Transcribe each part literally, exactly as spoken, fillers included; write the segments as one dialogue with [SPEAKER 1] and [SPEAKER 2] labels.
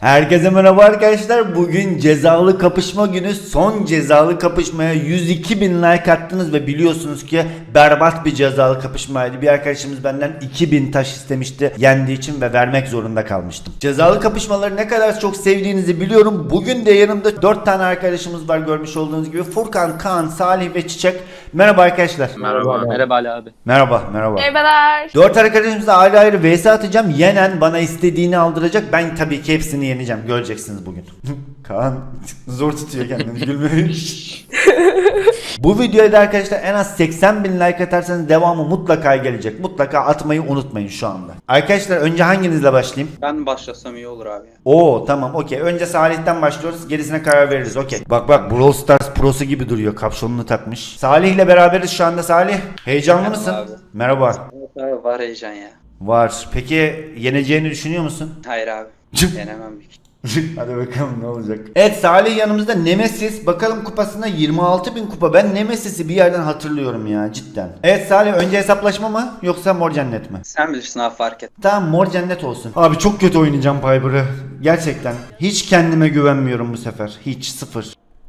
[SPEAKER 1] Herkese merhaba arkadaşlar. Bugün cezalı kapışma günü. Son cezalı kapışmaya yüz iki bin like attınız ve biliyorsunuz ki berbat bir cezalı kapışmaydı. Bir arkadaşımız benden iki bin taş istemişti yendiği için ve vermek zorunda kalmıştım. Cezalı kapışmaları ne kadar çok sevdiğinizi biliyorum. Bugün de yanımda dört tane arkadaşımız var, görmüş olduğunuz gibi. Furkan, Kaan, Salih ve Çiçek. Merhaba arkadaşlar.
[SPEAKER 2] Merhaba. Merhaba Ali abi.
[SPEAKER 1] Merhaba, merhaba.
[SPEAKER 3] Merhabalar.
[SPEAKER 1] Dört arkadaşımızla ayrı ayrı vs atacağım. Yenen bana istediğini aldıracak. Ben tabii ki hepsini yeneceğim. Göreceksiniz bugün. Kaan zor tutuyor kendini gülmeyi. Bu videoya da arkadaşlar en az seksen bin like atarsanız devamı mutlaka gelecek. Mutlaka atmayı unutmayın şu anda. Arkadaşlar önce hanginizle başlayayım?
[SPEAKER 2] Ben başlasam iyi olur abi.
[SPEAKER 1] Oo tamam, okey. Önce Salih'ten başlıyoruz. Gerisine karar veririz, okey. Bak bak, Brawl Stars prosu gibi duruyor. Kapşonunu takmış. Salih'le beraberiz şu anda. Salih, heyecanlı
[SPEAKER 2] Merhaba
[SPEAKER 1] mısın?
[SPEAKER 2] abi.
[SPEAKER 1] Merhaba.
[SPEAKER 2] Evet abi, var heyecan ya.
[SPEAKER 1] Var. Peki yeneceğini düşünüyor musun?
[SPEAKER 2] Hayır abi. Yenemem büyük.
[SPEAKER 1] Hadi bakalım ne olacak. Evet, Salih yanımızda. Nemesis. Bakalım kupasına yirmi altı bin kupa. Ben Nemesis'i bir yerden hatırlıyorum ya, cidden. Evet Salih, önce hesaplaşma mı yoksa mor cennet mi?
[SPEAKER 2] Sen bilirsin abi, fark et.
[SPEAKER 1] Tamam, mor cennet olsun. Abi çok kötü oynayacağım Piper'ı. Gerçekten. Hiç kendime güvenmiyorum bu sefer. Hiç, sıfır.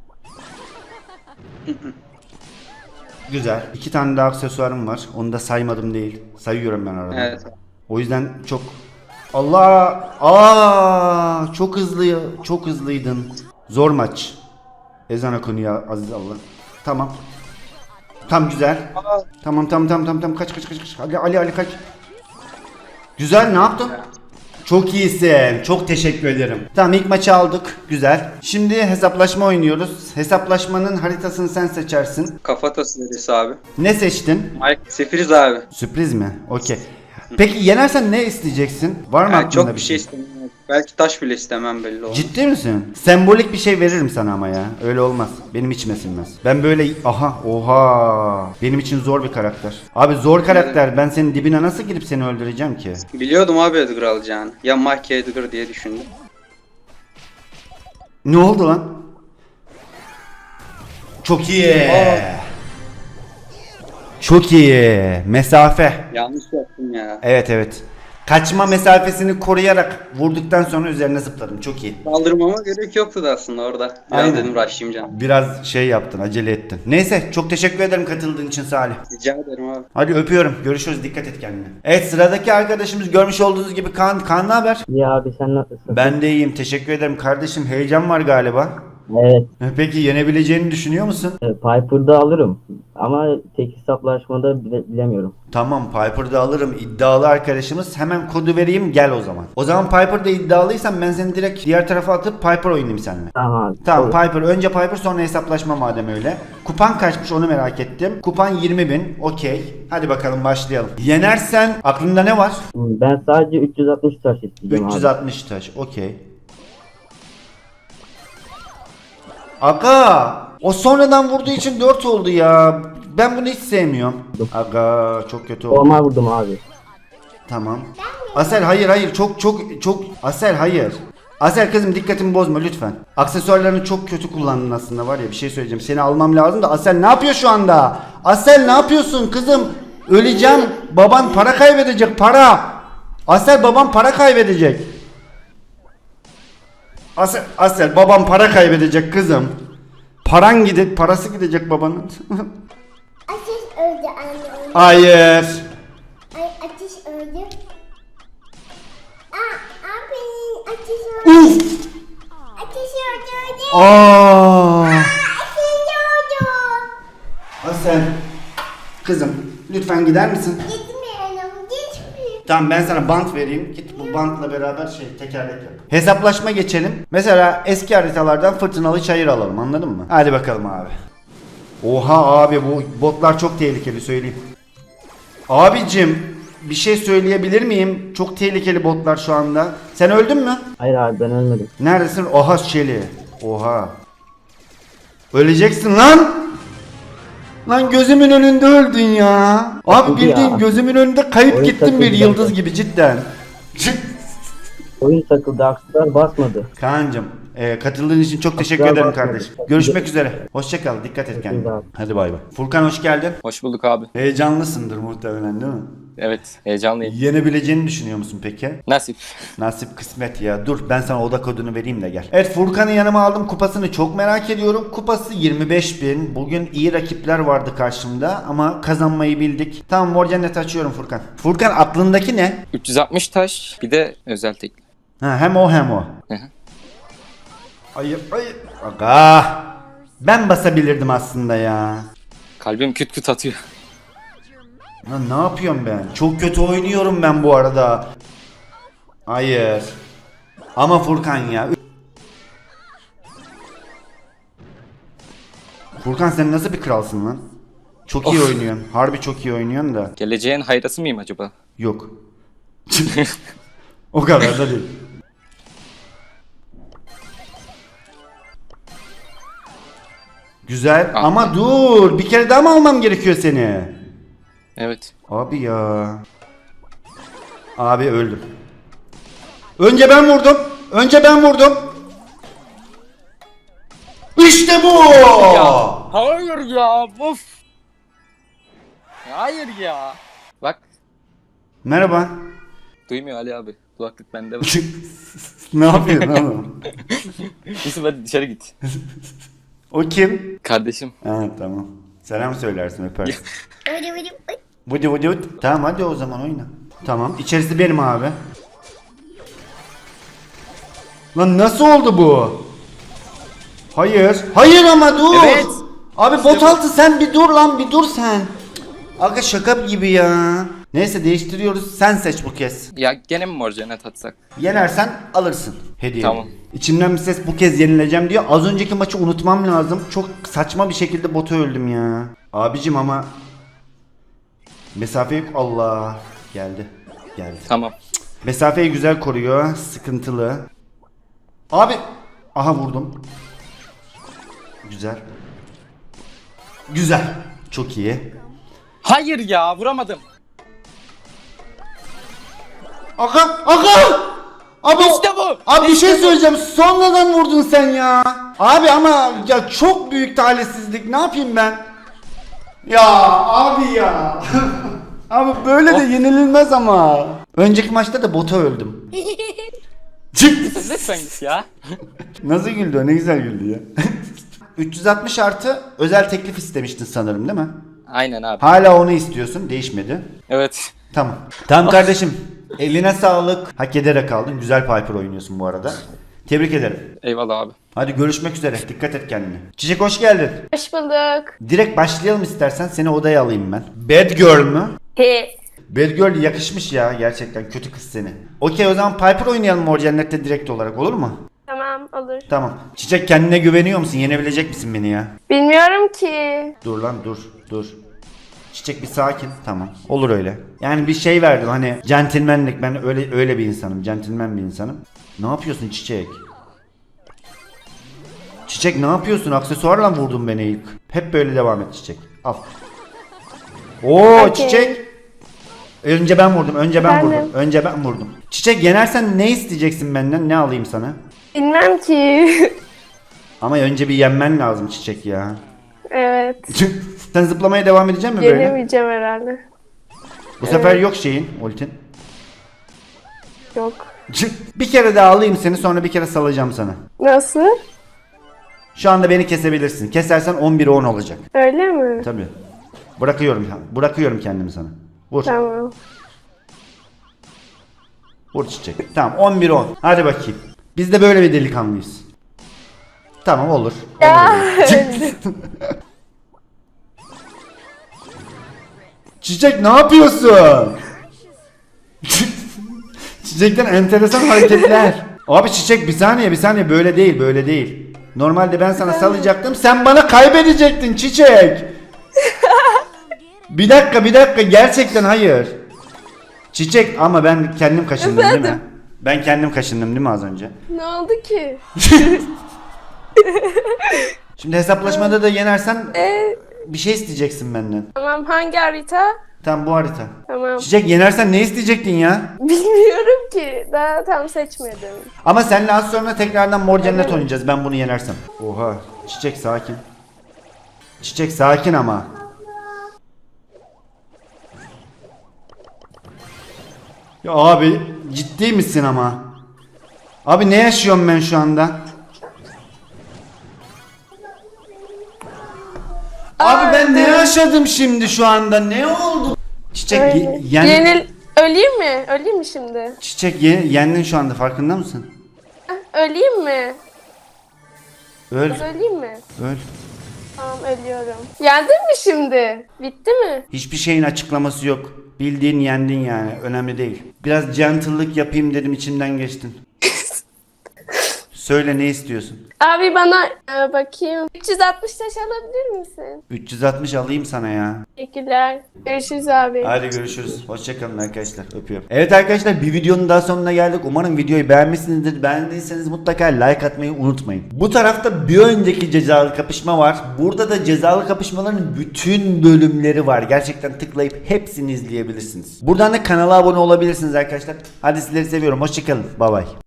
[SPEAKER 1] Güzel. İki tane daha aksesuarım var. Onu da saymadım değil. Sayıyorum ben arada.
[SPEAKER 2] Evet.
[SPEAKER 1] O yüzden çok... Allah! Aa! Çok hızlı, çok hızlıydın. Zor maç. Ezan okunuyor aziz Allah. Tamam. Tam güzel. Tamam tamam tamam tamam tamam, kaç kaç kaç kaç. Ali Ali Ali kaç. Güzel, ne yaptın? Çok iyisin. Çok teşekkür ederim. Tamam, ilk maçı aldık. Güzel. Şimdi hesaplaşma oynuyoruz. Hesaplaşmanın haritasını sen seçersin.
[SPEAKER 2] Kafatası neresi abi?
[SPEAKER 1] Ne seçtin?
[SPEAKER 2] Mike Sefiriz abi.
[SPEAKER 1] Sürpriz mi? Okey. Peki yenersen ne isteyeceksin? Var mı
[SPEAKER 2] Yani
[SPEAKER 1] aklında
[SPEAKER 2] çok bir şey
[SPEAKER 1] şey?
[SPEAKER 2] istemem. Belki taş bile istemem, belli olmaz.
[SPEAKER 1] Ciddi misin? Sembolik bir şey veririm sana ama ya. Öyle olmaz. Benim içime sinmez. Ben böyle... Aha, oha. Benim için zor bir karakter. Abi zor karakter. Ben senin dibine nasıl girip seni öldüreceğim ki?
[SPEAKER 2] Biliyordum abi Edgar alacağını. Ya Mike ya Edgar diye düşündüm.
[SPEAKER 1] Ne oldu lan? Çok iyi. Çok iyi. Mesafe.
[SPEAKER 2] Yanlış yaptım ya.
[SPEAKER 1] Evet evet. Kaçma mesafesini koruyarak vurduktan sonra üzerine zıpladım. Çok iyi.
[SPEAKER 2] Kaldırmama gerek yoktu da aslında orada. Biraz
[SPEAKER 1] Aynen.
[SPEAKER 2] dedim rushlayayım canım.
[SPEAKER 1] Biraz şey yaptın, acele ettin. Neyse, çok teşekkür ederim katıldığın için Salih.
[SPEAKER 2] Rica ederim abi.
[SPEAKER 1] Hadi öpüyorum. Görüşürüz. Dikkat et kendine. Evet, sıradaki arkadaşımız görmüş olduğunuz gibi Kaan. Kaan ne haber?
[SPEAKER 4] İyi abi, sen nasılsın?
[SPEAKER 1] Ben de iyiyim. Teşekkür ederim kardeşim. Heyecan var galiba.
[SPEAKER 4] Evet,
[SPEAKER 1] Peki yenebileceğini düşünüyor musun?
[SPEAKER 4] e, Piper'da alırım ama tek hesaplaşmada bile, bilemiyorum.
[SPEAKER 1] Tamam, Piper'da alırım. İddialı arkadaşımız. Hemen kodu vereyim, gel o zaman. O zaman Piper'da iddialıysan ben seni direkt diğer tarafa atıp Piper oynayayım seninle.
[SPEAKER 4] Tamam abi.
[SPEAKER 1] Tamam,
[SPEAKER 4] olur.
[SPEAKER 1] Piper. Önce Piper, sonra hesaplaşma madem öyle. Kupan kaçmış onu merak ettim. Kupan yirmi bin. Okey. Hadi bakalım başlayalım. Yenersen aklında ne var?
[SPEAKER 4] Ben sadece üç yüz altmış taş isteyeceğim
[SPEAKER 1] üç yüz
[SPEAKER 4] abi.
[SPEAKER 1] altmış taş. Okey. Aga, o sonradan vurduğu için dört oldu ya. Ben bunu hiç sevmiyorum. Aga, çok kötü oldu.
[SPEAKER 4] Normal vurdum abi.
[SPEAKER 1] Tamam. Asel hayır hayır, çok çok çok Asel hayır. Asel kızım, dikkatimi bozma lütfen. Aksesuarlarını çok kötü kullandın aslında, var ya, bir şey söyleyeceğim. Seni almam lazım da Asel ne yapıyor şu anda? Asel ne yapıyorsun kızım? Öleceğim. Baban para kaybedecek, para. Asel, baban para kaybedecek. Asel, Asel babam para kaybedecek kızım. Paran gidecek, parası gidecek babanın.
[SPEAKER 5] Ateş öldü anne.
[SPEAKER 1] Hayır.
[SPEAKER 5] Ay ateş öldü. Aa, abi ateş öldü.
[SPEAKER 1] Uf.
[SPEAKER 5] Ateş öldü öldü.
[SPEAKER 1] Aa.
[SPEAKER 5] Ateş öldü.
[SPEAKER 1] Asel. Kızım lütfen gider misin?
[SPEAKER 5] Gitmeyelim gitmeyelim.
[SPEAKER 1] Tamam, ben sana bant vereyim. Git bu bantla beraber şey tekerlek yap. Hesaplaşma geçelim. Mesela eski haritalardan fırtınalı çayır alalım, anladın mı? Hadi bakalım abi. Oha abi, bu botlar çok tehlikeli, söyleyeyim. Abicim bir şey söyleyebilir miyim? Çok tehlikeli botlar şu anda. Sen öldün mü?
[SPEAKER 4] Hayır abi, ben ölmedim.
[SPEAKER 1] Neredesin? Oha Şeli. Oha. Öleceksin lan. Lan gözümün önünde öldün ya. Abi
[SPEAKER 4] Oldu
[SPEAKER 1] bildiğin
[SPEAKER 4] ya.
[SPEAKER 1] gözümün önünde kayıp
[SPEAKER 4] Oyun
[SPEAKER 1] gittin bir
[SPEAKER 4] takıldı
[SPEAKER 1] yıldız
[SPEAKER 4] zaten.
[SPEAKER 1] gibi, cidden.
[SPEAKER 4] Oyun takıldı, akslar basmadı.
[SPEAKER 1] Kaan'cım e, katıldığın için çok teşekkür
[SPEAKER 4] Asla
[SPEAKER 1] ederim
[SPEAKER 4] bakmadım.
[SPEAKER 1] kardeşim. Görüşmek üzere. Hoşça kal. Dikkat et kendine.
[SPEAKER 4] abi.
[SPEAKER 1] Hadi bay bay. Furkan hoş geldin.
[SPEAKER 2] Hoş bulduk abi.
[SPEAKER 1] Heyecanlısındır muhtemelen değil mi?
[SPEAKER 3] Evet, heyecanlıyım.
[SPEAKER 1] Yenebileceğini düşünüyor musun peki?
[SPEAKER 3] Nasip.
[SPEAKER 1] Nasip kısmet ya. Dur ben sana oda kodunu vereyim de gel. Evet, Furkan'ı yanıma aldım. Kupasını çok merak ediyorum. Kupası yirmi beş bin. Bugün iyi rakipler vardı karşımda ama kazanmayı bildik. Tamam, mor cennet açıyorum Furkan. Furkan, aklındaki ne?
[SPEAKER 3] üç yüz altmış taş, bir de özel tekli.
[SPEAKER 1] Ha, hem o hem o.
[SPEAKER 3] Hı hı.
[SPEAKER 1] Hayır hayır. Aga. Ben basabilirdim aslında ya.
[SPEAKER 3] Kalbim küt küt atıyor.
[SPEAKER 1] Lan ne yapıyorum ben? Çok kötü oynuyorum ben bu arada. Hayır. Ama Furkan ya. Furkan, sen nasıl bir kralsın lan? Çok iyi
[SPEAKER 3] Of.
[SPEAKER 1] oynuyorsun. Harbi çok iyi oynuyorsun da.
[SPEAKER 3] Geleceğin hayrası mıyım acaba?
[SPEAKER 1] Yok. O kadar da değil. Güzel
[SPEAKER 3] Ah.
[SPEAKER 1] ama dur. Bir kere daha mı almam gerekiyor seni?
[SPEAKER 3] Evet.
[SPEAKER 1] Abi ya. Abi öldüm. Önce ben vurdum. Önce ben vurdum. İşte bu.
[SPEAKER 3] Hayır ya, of. Hayır ya. Bak,
[SPEAKER 1] Merhaba.
[SPEAKER 3] duymuyor Ali abi. Kulaklık bende.
[SPEAKER 1] Ne yapıyorsun oğlum?
[SPEAKER 3] Yusuf hadi dışarı git.
[SPEAKER 1] O kim?
[SPEAKER 3] Kardeşim.
[SPEAKER 1] Ha, tamam. Selam söylersin, öpersin.
[SPEAKER 5] Hadi hadi hadi.
[SPEAKER 1] Vıdı vıdı vıdı. Tamam, hadi o zaman oyna. Tamam, içerisi benim abi. Lan nasıl oldu bu? Hayır. Hayır ama dur.
[SPEAKER 3] Evet.
[SPEAKER 1] Abi bot altı, sen bir dur lan, bir dur sen. Aga şaka gibi ya. Neyse, değiştiriyoruz. Sen seç bu kez.
[SPEAKER 3] Ya gene mi mor cennet atsak?
[SPEAKER 1] Yenersen alırsın hediye.
[SPEAKER 3] Tamam.
[SPEAKER 1] İçimden bir ses bu kez yenileceğim diyor. Az önceki maçı unutmam lazım. Çok saçma bir şekilde bota öldüm ya. Abicim ama mesafe yok. Allah. Geldi. Geldi.
[SPEAKER 3] Tamam.
[SPEAKER 1] Mesafeyi güzel koruyor. Sıkıntılı. Abi. Aha, vurdum. Güzel. Güzel. Çok iyi.
[SPEAKER 3] Hayır ya, vuramadım.
[SPEAKER 1] Aga. Aga. Abi,
[SPEAKER 3] İşte bu.
[SPEAKER 1] Abi bir
[SPEAKER 3] İşte
[SPEAKER 1] şey
[SPEAKER 3] bu.
[SPEAKER 1] söyleyeceğim. Sonradan vurdun sen ya. Abi ama ya çok büyük talihsizlik. Ne yapayım ben? Ya abi ya. Abi böyle de yenililmez ama. Önceki maçta da bota öldüm.
[SPEAKER 3] Lütfen git ya.
[SPEAKER 1] Nasıl güldü o? Ne güzel güldü ya. üç yüz altmış artı özel teklif istemiştin sanırım, değil mi?
[SPEAKER 3] Aynen abi.
[SPEAKER 1] Hala onu istiyorsun. Değişmedi.
[SPEAKER 3] Evet.
[SPEAKER 1] Tamam. Tamam kardeşim. Eline sağlık. Hak ederek aldın. Güzel Piper oynuyorsun bu arada. Tebrik ederim.
[SPEAKER 3] Eyvallah abi.
[SPEAKER 1] Hadi görüşmek üzere. Dikkat et kendine. Çiçek, hoş geldin.
[SPEAKER 6] Hoş bulduk.
[SPEAKER 1] Direkt başlayalım istersen. Seni odaya alayım ben. Bad Girl mü?
[SPEAKER 6] He.
[SPEAKER 1] Bad Girl yakışmış ya. Gerçekten kötü kız seni. Okey, o zaman Piper oynayalım Mor Cennet'te direkt olarak, olur mu?
[SPEAKER 6] Tamam, olur.
[SPEAKER 1] Tamam. Çiçek, kendine güveniyor musun? Yenebilecek misin beni ya?
[SPEAKER 6] Bilmiyorum ki.
[SPEAKER 1] Dur lan, dur dur. Çiçek bir sakin. Tamam. Olur öyle. Yani bir şey verdim hani, centilmenlik, ben öyle öyle bir insanım. Centilmen bir insanım. Ne yapıyorsun Çiçek? Çiçek ne yapıyorsun? Aksesuarla vurdun beni ilk. Hep böyle devam et Çiçek. Al. Oo
[SPEAKER 6] Okey.
[SPEAKER 1] Çiçek. Önce ben vurdum. Önce ben
[SPEAKER 6] Efendim?
[SPEAKER 1] vurdum. Önce ben vurdum. Çiçek, yenersen ne isteyeceksin benden? Ne alayım sana?
[SPEAKER 6] Bilmem ki.
[SPEAKER 1] Ama önce bir yenmen lazım Çiçek ya.
[SPEAKER 6] Evet.
[SPEAKER 1] Sen zıplamaya devam edecek misin böyle?
[SPEAKER 6] Yenemeyeceğim herhalde.
[SPEAKER 1] Bu sefer yok şeyin, ultin.
[SPEAKER 6] Yok.
[SPEAKER 1] Bir kere daha alayım seni, sonra bir kere salacağım sana.
[SPEAKER 6] Nasıl?
[SPEAKER 1] Şu anda beni kesebilirsin. Kesersen on bire on olacak.
[SPEAKER 6] Öyle mi?
[SPEAKER 1] Tabii. Bırakıyorum. Bırakıyorum kendimi sana. Vur.
[SPEAKER 6] Tamam.
[SPEAKER 1] Vur Çiçek. Tamam, on bire on. Hadi bakayım. Biz de böyle bir delikanlıyız. Tamam, olur.
[SPEAKER 6] Ya,
[SPEAKER 1] Olur öyle. Çiçek ne yapıyorsun? Çiçekten enteresan hareketler. Abi Çiçek, bir saniye bir saniye, böyle değil böyle değil. Normalde ben sana salacaktım, sen bana kaybedecektin Çiçek. Bir dakika bir dakika, gerçekten hayır. Çiçek, ama ben kendim kaşındım değil mi? Ben kendim kaşındım değil mi az önce?
[SPEAKER 6] Ne oldu ki?
[SPEAKER 1] Şimdi hesaplaşmada da yenersen
[SPEAKER 6] Ee,
[SPEAKER 1] bir şey isteyeceksin benden.
[SPEAKER 6] tamam, hangi harita?
[SPEAKER 1] Tamam, bu harita.
[SPEAKER 6] Tamam.
[SPEAKER 1] Çiçek, yenersen ne isteyecektin ya?
[SPEAKER 6] Bilmiyorum ki. Daha tam seçmedim.
[SPEAKER 1] Ama seninle az sonra tekrardan Mor Cennet oynayacağız ben bunu yenersem. Oha. Çiçek sakin. Çiçek sakin ama. Ya abi ciddi misin ama? Abi ne yaşıyorum ben şu anda? Abi ben ne yaşadım şimdi şu anda? Ne oldu? Çiçek
[SPEAKER 6] Öyle.
[SPEAKER 1] ye- yen-
[SPEAKER 6] Yenil... Öleyim mi? Öleyim mi şimdi?
[SPEAKER 1] Çiçek ye- yendin şu anda, farkında mısın?
[SPEAKER 6] Heh, Öleyim mi?
[SPEAKER 1] Öl,
[SPEAKER 6] Kız öleyim mi?
[SPEAKER 1] öl.
[SPEAKER 6] Tamam ölüyorum. Yendin mi şimdi? Bitti mi?
[SPEAKER 1] Hiçbir şeyin açıklaması yok. Bildiğin yendin yani. Önemli değil. Biraz gentle'lık yapayım dedim, içimden geçtin. Söyle, ne istiyorsun?
[SPEAKER 6] Abi bana e, bakayım. üç yüz altmış taş alabilir misin?
[SPEAKER 1] üç yüz altmış alayım sana ya.
[SPEAKER 6] Teşekkürler. Görüşürüz abi.
[SPEAKER 1] Hadi görüşürüz. Hoşçakalın arkadaşlar. Öpüyorum. Evet arkadaşlar, bir videonun daha sonuna geldik. Umarım videoyu beğenmişsinizdir. Beğendiyseniz mutlaka like atmayı unutmayın. Bu tarafta bir önceki cezalı kapışma var. Burada da cezalı kapışmaların bütün bölümleri var. Gerçekten tıklayıp hepsini izleyebilirsiniz. Buradan da kanala abone olabilirsiniz arkadaşlar. Hadi sizleri seviyorum. Hoşçakalın. Bay bay.